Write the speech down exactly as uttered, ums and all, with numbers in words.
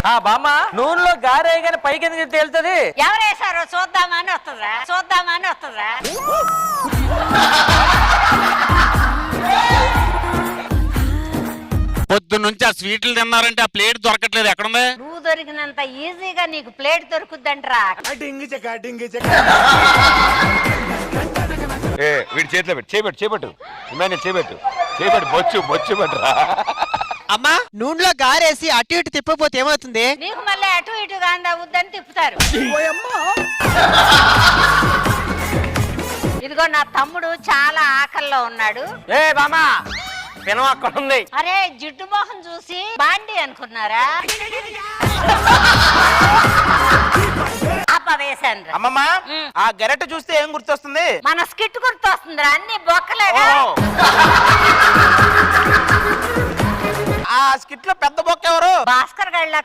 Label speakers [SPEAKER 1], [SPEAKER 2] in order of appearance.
[SPEAKER 1] బామ్మ నూనెలో గారే గాని పైకి ఎందుకు తేలుతుంది?
[SPEAKER 2] ఎవరేసారో చూద్దామా అని వస్తుందా చూద్దామా అని వస్తుందా
[SPEAKER 3] పొద్దు నుంచి ఆ స్వీట్లు తిన్నారంటే ఆ ప్లేట్ దొరకట్లేదు, ఎక్కడుంది?
[SPEAKER 2] నువ్వు దొరికినంత ఈజీగా నీకు ప్లేట్ దొరుకుద్దంట్రా.
[SPEAKER 4] ఏ వీడి చేతిలో పెట్టు, చేపెట్టు చేపెట్టు ఇమాని చేపెట్టు చేపెట్టు బొచ్చు బొచ్చు పెట్టరా.
[SPEAKER 5] అమ్మా నూనెలో గారేసి అటు ఇటు తిప్పపోతే ఏమవుతుంది?
[SPEAKER 2] నీకు మళ్ళీ అటు ఇటుగా అందవద్దని తిప్పుతారు. ఇదిగో నా తమ్ముడు చాలా ఆకల్లో ఉన్నాడు.
[SPEAKER 1] ఏ బామ్మ పినం అక్కడ ఉంది.
[SPEAKER 2] అరే జిడ్డు మోహన్ చూసి బాండి అనుకున్నారా? వేసాను.
[SPEAKER 6] అమ్మమ్మ ఆ గెరెట్ చూస్తే ఏం గుర్తొస్తుంది?
[SPEAKER 2] మన స్కిట్ గుర్తొస్తుందిరా, అన్ని బొక్కలేగా.
[SPEAKER 6] ఆ స్కిట్ లో పెద్ద బొక్క ఎవరు?
[SPEAKER 2] భాస్కర్ గళ్ళ